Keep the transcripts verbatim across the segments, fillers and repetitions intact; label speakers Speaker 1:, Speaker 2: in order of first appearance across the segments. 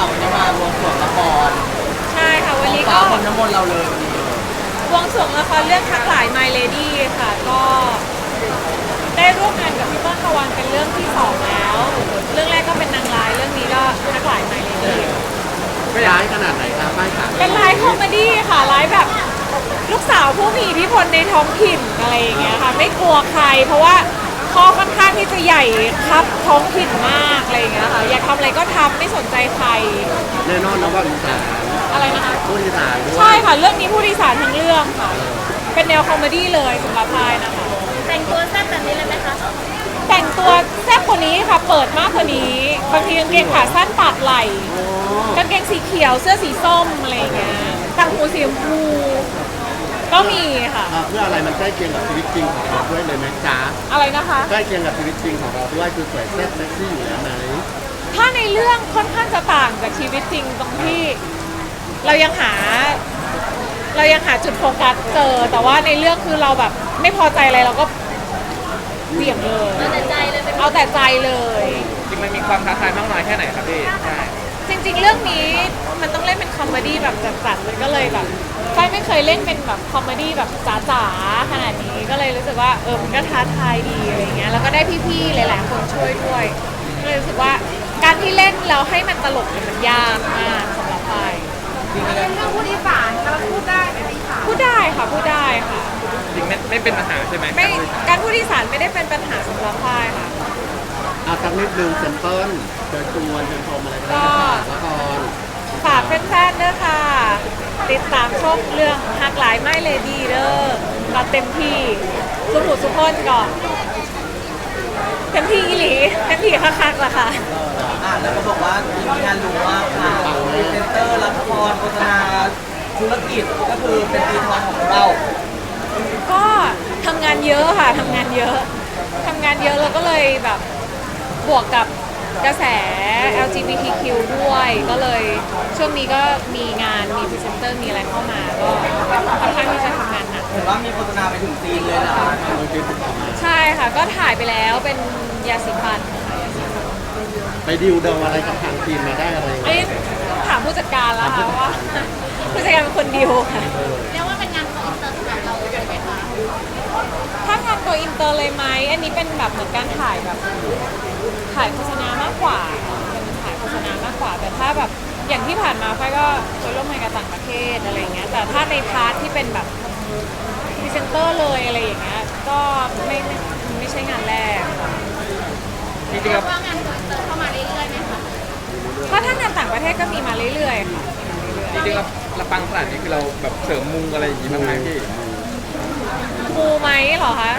Speaker 1: วันนี้มาบวงสรวงละคร
Speaker 2: ใช่ค่ะวันนี้
Speaker 1: ฟ้า
Speaker 2: ก็
Speaker 1: คนน้ำมนต์เราเลยวันนี้
Speaker 2: บวงสรวงละครเรื่องทักหลาย My Lady ค่ะก็ได้ร่วมงานกับพี่เปิ้ลตะวันเป็นเรื่องที่สองแล้ว เรื่องแรกก็เป็นนางร้ายเรื่องนี้ก็ทักหลาย My Lady
Speaker 1: ไม่ร้ายขนาดไหนครับป้ายขา
Speaker 2: เป็นร้ายคอมเมดี้ค่ะร้ายแบบลูกสาวผู้มีอิทธิพลในท้องถิ่นอะไรอย่างเงี้ยค่ะไม่กลัวใคร เพราะว่าพ่อค่อนข้างที่จะใหญ่ครับท้องถิ่นมากอะไรอย่างเงี้ยค่ะอยากทำอะไรก็ทำไม่สนใจใคร
Speaker 1: แน่นอนนะว่าอีสาน
Speaker 2: อะไรนะคะ
Speaker 1: พูดอีสานด้วย
Speaker 2: ใช่ค่ะเรื่องนี้ผู้ดีสารทั้งเรื่องค่ะเป็นแนวคอมเมดี้เลยสำหรับพายนะคะ
Speaker 3: แต่งตัวแซ่บแบบนี้เลยไหมคะ
Speaker 2: แต่งตัวแซ่บกว่านี้ค่ะเปิดมากกว่านี้บางทีกางเกงขาสั้นปาดไหล่กางเกงสีเขียวเสื้อสีส้มอะไรอย่างเงี้ยต่างหูสีชมพูก็มีค่ะ
Speaker 1: เอ่อเพื่ออะไรมันใกล้เคียงกับชีวิตจริงของเราด้วยเลยไหมจ๊ะ
Speaker 2: อะไรนะคะ
Speaker 1: ใกล้เคียงกับชีวิตจริงของเราด้วยคือสวยแซ่บเซ็กซี่อยู่แล้วไหม
Speaker 2: ถ้าในเรื่องค่อนข้างจะต่างจากชีวิตจริงตรงที่ เรายังหา เรายังหาจุดโฟกัสเจอ แต่ว่าในเรื่องคือเราแบบไม่พอใจอะไรเราก็เบี่ยงเลย
Speaker 3: เอาแต่ใจเลยเป็น
Speaker 2: เอาแต่ใจเลย
Speaker 4: จริงมันมีความท้าทายมากน้อยแค่ไหนครับพี่ใช่
Speaker 2: จริงๆ เรื่องนี้มันต้องเล่นเป็นคอมเมดี้แบบจัดๆเลยก็เลยแบบฝ้ายไม่เคยเล่นเป็นแบบคอมเมดี้แบบจ๋าๆขนาดนี้ก็เลยรู้สึกว่าเออมันก็ท้าทายดีอะไรเงี้ยแล้วก็ได้พี่ๆหลายๆคนช่วยด้วยก็เลยรู้สึกว่าการที่เล่นแล้วให้มันตลกเนี่ยมันยากมากสำหรับฝ้าย
Speaker 3: เป็นเรื่องผู้ดีสารกำลังพูดได้ไหมคะ
Speaker 2: พูดได้ค่ะพูดได้ค่ะ
Speaker 4: จริงไม่ไม่เป็นปัญหาใช่ไหม
Speaker 2: ไม่การพูดอีสานไม่ได้เป็นปัญหาสำหรับฝ้ายค่ะ
Speaker 1: เอาสักนิดนึงเซมเปิลเชิญชวนเชิญชมอะไรก็ได้ละคร
Speaker 2: ฝากแฟนๆเด้อค่ะ ติดตามชมเรื่องหักหลายไม่เลดี้เด้อก็เต็มที่สุขุสุขคนก่อนเต็มที่อีหลีเต็มที่คักๆล่ะค่ะ
Speaker 5: อ่านแล้วก็บอกว่ามีงานรู้มากค่ะพรีเซนเตอร์ละครโฆษณาธุรกิจก็คือเป็นปีทองของเรา
Speaker 2: ก็ทำงานเยอะค่ะทำงานเยอะทำงานเยอะแล้วก็เลยแบบบวกกับกระแส แอล จี บี ที คิว ด้วยก็เลยช่วงนี้ก็มีงานมีพรีเซนเตอร์มีอะไรเข้ามาก็ค่อนข้างที่จะทำงานหนัก
Speaker 5: เห็นว่ามีโฆษณาไปถึงจีนเลยนะคะ
Speaker 1: โดยที่ติดต่อมา
Speaker 2: ใช่ค่ะก็ถ่ายไปแล้วเป็นยาสีฟันค่ะยาสีฟัน
Speaker 1: ไปดิวเดาอะไรกับทางทีมมาได้อะไร
Speaker 2: อันนี้ต้องถามผู้จัดการแล้วค่ะว่าผู้จัดการเป็นคนดีลค่ะ
Speaker 3: เรียกว่าเป็นงานของอินเตอร์สำหรับเราเลยไหมคะ
Speaker 2: ถ้างานตัวอินเตอร์เลยไหมอันนี้เป็นแบบเหมือนการถ่ายแบบถ่ายโฆษณามากกว่าเป็นถ่ายโฆษณามากกว่า แต่ถ้าแบบอย่างที่ผ่านมาไฟก็เคยร่วมงานกับต่างประเทศอะไรอย่างเงี้ยแต่ถ้าในพาร์ทที่เป็นแบบพรีเซนเตอร์เลยอะไรอย่างเงี้ยก็ไม่ไม่ไม่ใช่งานแรก
Speaker 4: จริงๆ
Speaker 3: เรี
Speaker 4: แล้
Speaker 3: ยว กว่างานของอินเตอร์เข้ามาเรื่อยๆไหมคะ
Speaker 2: เพราะถ้างานต่างประเทศก็มีมาเรื่อยๆค่ะ
Speaker 4: จริงๆเราเราปังขนาดนี้คือเราแบบเสริมมุงอะไรอย่างงี้บ้างไหมพี่
Speaker 2: มูไหมเหรอคะ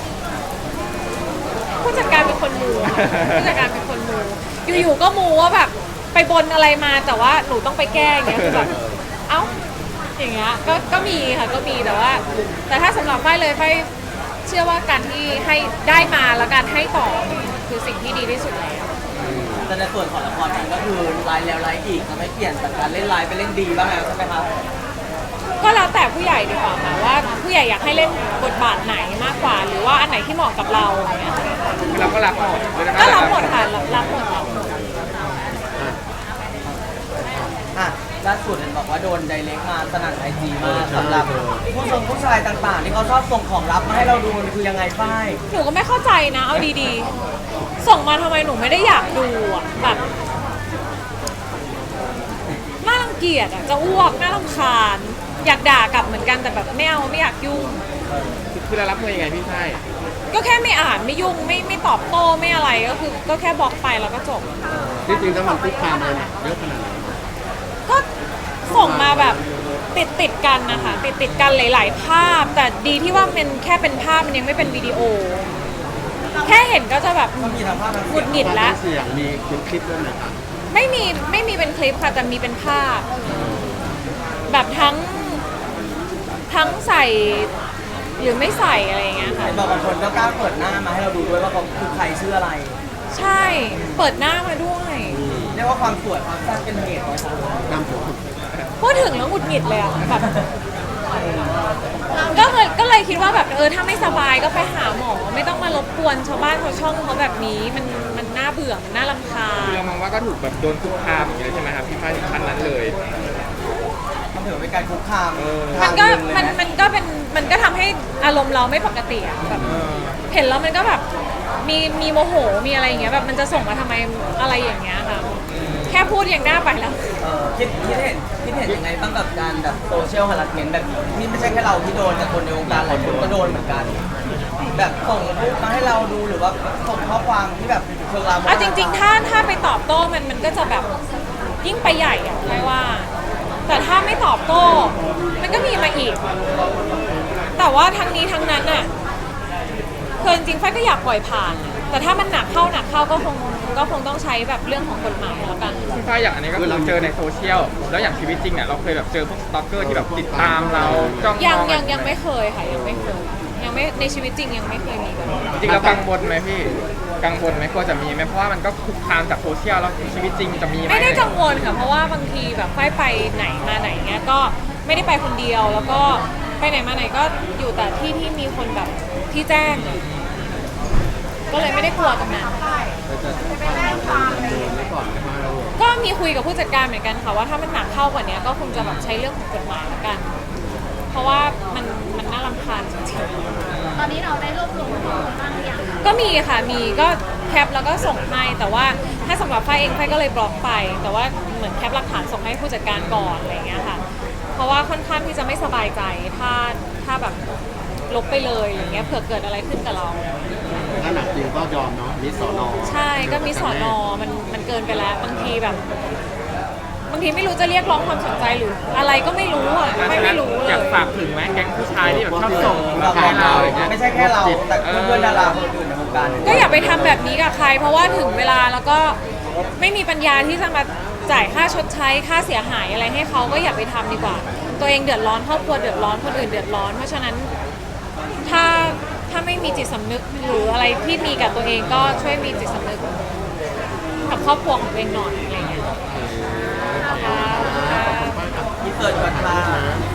Speaker 2: ผู้จัดการเป็นคนมูค่ะผู้จัดการเป็นคนมูอยู่ๆก็มูว่าแบบไปบนอะไรมาแต่ว่าหนูต้องไปแก้อย่างเงี้ยคือแบบเอ้าอย่างเงี้ยก็ก็มีค่ะก็มีแต่ว่า แต่ถ้าสำหรับไฟเลยไฟเชื่อว่าการที่ให้ได้มาแล้วการให้ต่อคือสิ่งที่ดีที่สุดแล้ว
Speaker 5: แต่ในส่วนของละครเองก็คือไลน์แล้วไลน์อีกจะไม่เปลี่ยนจากการเล่นไลน์ไปเล่นดีบ้างแล้วใช่ไหมคะ
Speaker 2: ก็แล้วแต่ผู้ใหญ่ดีกว่าค่ะว่าผู้ใหญ่อยากให้เล่นบทบาทไหนมากกว่า หรือว่าอันไหนที่เหมาะกับเราอย่างเงี้ยค่ะ
Speaker 4: คือเราก็รับหมดเลยนะ
Speaker 2: ก็รับหมดค่ะรับรับหมดรับหมด
Speaker 5: อ่ะล่าสุดเห็นบอกว่าโดนไดเรกมาสนั่นไอจีมากสำหรับผู้ชมผู้ชายต่างๆ ที่เขาชอบส่งของลับมาให้เราดูมันคือยังไงฝ้าย
Speaker 2: หนูก็ไม่เข้าใจนะเอาดีๆ ส่งมาทำไมหนูไม่ได้อยากดูอ่ะแบบน่ารังเกียจอ่ะจะอ้วกน่ารำคาญอยากด่ากลับเหมือนกันแต่แบบไม่เอาไม่อยากยุ่ง
Speaker 4: คือเรารับมือยังไงพี่ใช่
Speaker 2: ก็แค่ไม่อ่านไม่ยุ่งไม่ไม่ตอบโต้ไม่อะไรก็คือก็แค่บล็อกไปแล้วก็จบ
Speaker 1: ที่จริงถ้ามันคุกคามอะไรเยอะขนาดไหน
Speaker 2: ก็ส่งมาแบบติดติดๆกันนะคะติดติดๆกันหลาย ๆ ภาพ แต่ดีที่ว่ามันแค่เป็นภาพมันยังไม่เป็นวิดีโอ แค่เห็นก็จะแบบ
Speaker 5: มีทั้งภาพทั้ง
Speaker 2: หงุ
Speaker 5: เสีย
Speaker 2: ด
Speaker 5: ง
Speaker 2: หงิดแล้ว
Speaker 1: เสียงมีคลิปคลิปด้วยไหมครับ
Speaker 2: ไม่มีไม่มีเป็นคลิปค่ะแต่มีเป็นภาพ แบบทั้งทั้งใส่หรือไม่ใส่อะไรอย่างเงี้ยค่ะ
Speaker 5: เห็นบอกบางคนก็กล้าเปิดหน้ามาให้เราดูด้วยว่าเขาคือใครชื่ออะไร
Speaker 2: ใช่เปิดหน้ามาด้วย
Speaker 5: เรียกว่าความสวยความสั้นเป็นเหตุไหมคะ
Speaker 1: ตามผม
Speaker 2: พูดถึงแล้วหงุดหงิดเลยอะแบบก็เลยก็เลยคิดว่าแบบเออถ้าไม่สบายก็ไปหาหมอ ไม่ต้องมารบกวนชาวบ้านชาวช่องเขาแบบนี้มันมันน่าเบื่อมันน่ารำคาญ
Speaker 4: คือเรามองว่าก็ถูกแบบโดนคุกคามอย่างเงี้ยใช่ไหมครับพี่ฝ้ายถึงขั้นนั้นเลย
Speaker 5: มันถือเป็นการคุกคาม
Speaker 4: เออ
Speaker 2: มันก็
Speaker 5: ทางหงเลย
Speaker 2: มัน
Speaker 5: นะ
Speaker 2: มันก็เป็นมันก็ทำให้อารมณ์เราไม่ปกติอะแบบ
Speaker 4: เออ
Speaker 2: เห็นแล้วมันก็แบบมีมีโมโหมีอะไรอย่างเงี้ยแบบมันจะส่งมาทำไมอะไรอย่างเงี้ยค่ะแค่พูดยังน่าไปแล้ว
Speaker 5: เออคิดคิดเห็นคิดเห็นยังไงบ้างกับการแบบโซเชียลฮาร์ดเมนต์แบบนี้ที่ไม่ใช่แค่เราที่โดนแต่คนในวงการหลายคนก็โดนเหมือนกัน แบบส่งรูปมาให้เราดูหรือว่าส่งข้อความที่แบบเชิงลามก
Speaker 2: เอาจริงๆ ถ้าถ้าไปตอบโต้มันมันก็จะแบบยิ่งไปใหญ่อะไม่ว่า แต่ถ้าไม่ตอบโต้ มันก็มีมาอีก แต่ว่าทั้งนี้ทั้งนั้นอะคือจริงๆไฟก็อยากปล่อยผ่าน แต่ถ้ามันหนักเข้าหนักเข้าก็คงก็คงต้องใช้แบบเรื่องของกฎหมายแล้วกัน
Speaker 4: พี่ฝ้ายอย่างอันนี้ก็คือเราเจอในโซเชียลแล้วอย่างชีวิตจริงเนี่ยเราเคยแบบเจอพวกสตอกเกอร์ที่แบบติดตามเราจ้องม
Speaker 2: ยัง
Speaker 4: อง
Speaker 2: ยังยังไม่เคยค่ะยังไม่เคยยังไม่ในชีวิตจริงยังไม่เคยมีกัน
Speaker 4: จริงๆเรากังวลไหมพี่กังวลไหมกลัวจะมีไหมเพราะว่ามันก็คุกคามจากโซเชียลแล้วชีวิตจริงจะมีไหม
Speaker 2: ไม่ได้กังวลค่ะเพราะว่าบางทีแบบไฟไปไหนมาไหนเงี้ยก็ไม่ได้ไปคนเดียว แล้วก็ไปไหนมาไหนก็อยู่แต่ที่ที่มีคนแบบที่แจ้ง ก็เลยไม่ได้กลัวตรงนั้น
Speaker 3: ไปแจ้งความอะไรอย่างเงี้ย
Speaker 1: ไว้ก่อนไหมคะเรา
Speaker 2: ก็มีคุยกับผู้จัดการเหมือนกันค่ะว่าถ้ามันหนักเข้ากว่านี้ก็คงจะแบบใช้เรื่องของกฎหมายละกัน เพราะว่ามันมันน่ารำคาญจริง
Speaker 3: ตอนนี้เราได้รวบรวมข้อมูลบ้างหรือยัง
Speaker 2: ๆก็มีค่ะมีก็แคปแล้วก็ส่งให้แต่ว่าถ้าสำหรับไฟเองไฟก็เลยบล็อกไป แต่ว่าเหมือนแคปหลักฐานส่งให้ผู้จัดการก่อนอะไรอย่างเงี้ยค่ะ เพราะว่าค่อนข้างที่จะไม่สบายใจถ้าถ้าแบบลบไปเลยอย่างเงี้ยเผื่อเกิดอะไรขึ้นกับเรา
Speaker 1: ถ้าหนักจริงก็ยอมเนาะมิสสอนอ
Speaker 2: ใช่ก็มีสอนอมันมันเกินไปแล้วบางทีแบบ บางทีไม่รู้จะเรียกร้องความสนใจหรืออะไรก็ไม่รู้อ่ะไม่ไม่รู้เล
Speaker 4: อยาก
Speaker 2: ย
Speaker 4: ฝากถึงไหมแก๊งผู้ชายที่แบบชอบส่ง
Speaker 5: เรา
Speaker 4: มาให้เราอย่างเงี้ย
Speaker 5: ไม่ใช่แค่เราแต่เพื่อนๆดาราคนอื่นในวงการ
Speaker 2: ก็อย่าไปทำแบบนี้กับใคร เพราะว่าถึงเวลาแล้วก็ไม่มีปัญญาที่จะมาจ่ายค่าชดใช้ค่าเสียหายอะไรให้เขาก็อย่าไปทำดีกว่า ตัวเองเดือดร้อนครอบครัวเดือดร้อนคนอื่นเดือดร้อน เพราะฉะนั้นถ้าถ้าไม่มีจิตสำนึกหรืออะไรที่มีกับตัวเองก็ช่วยมีจิตสำนึกกับครอบครัวของตัวเองหน่อยอะไรอย่างเงี้ยนะคะ
Speaker 5: ที่เกิดก่อนค่ะ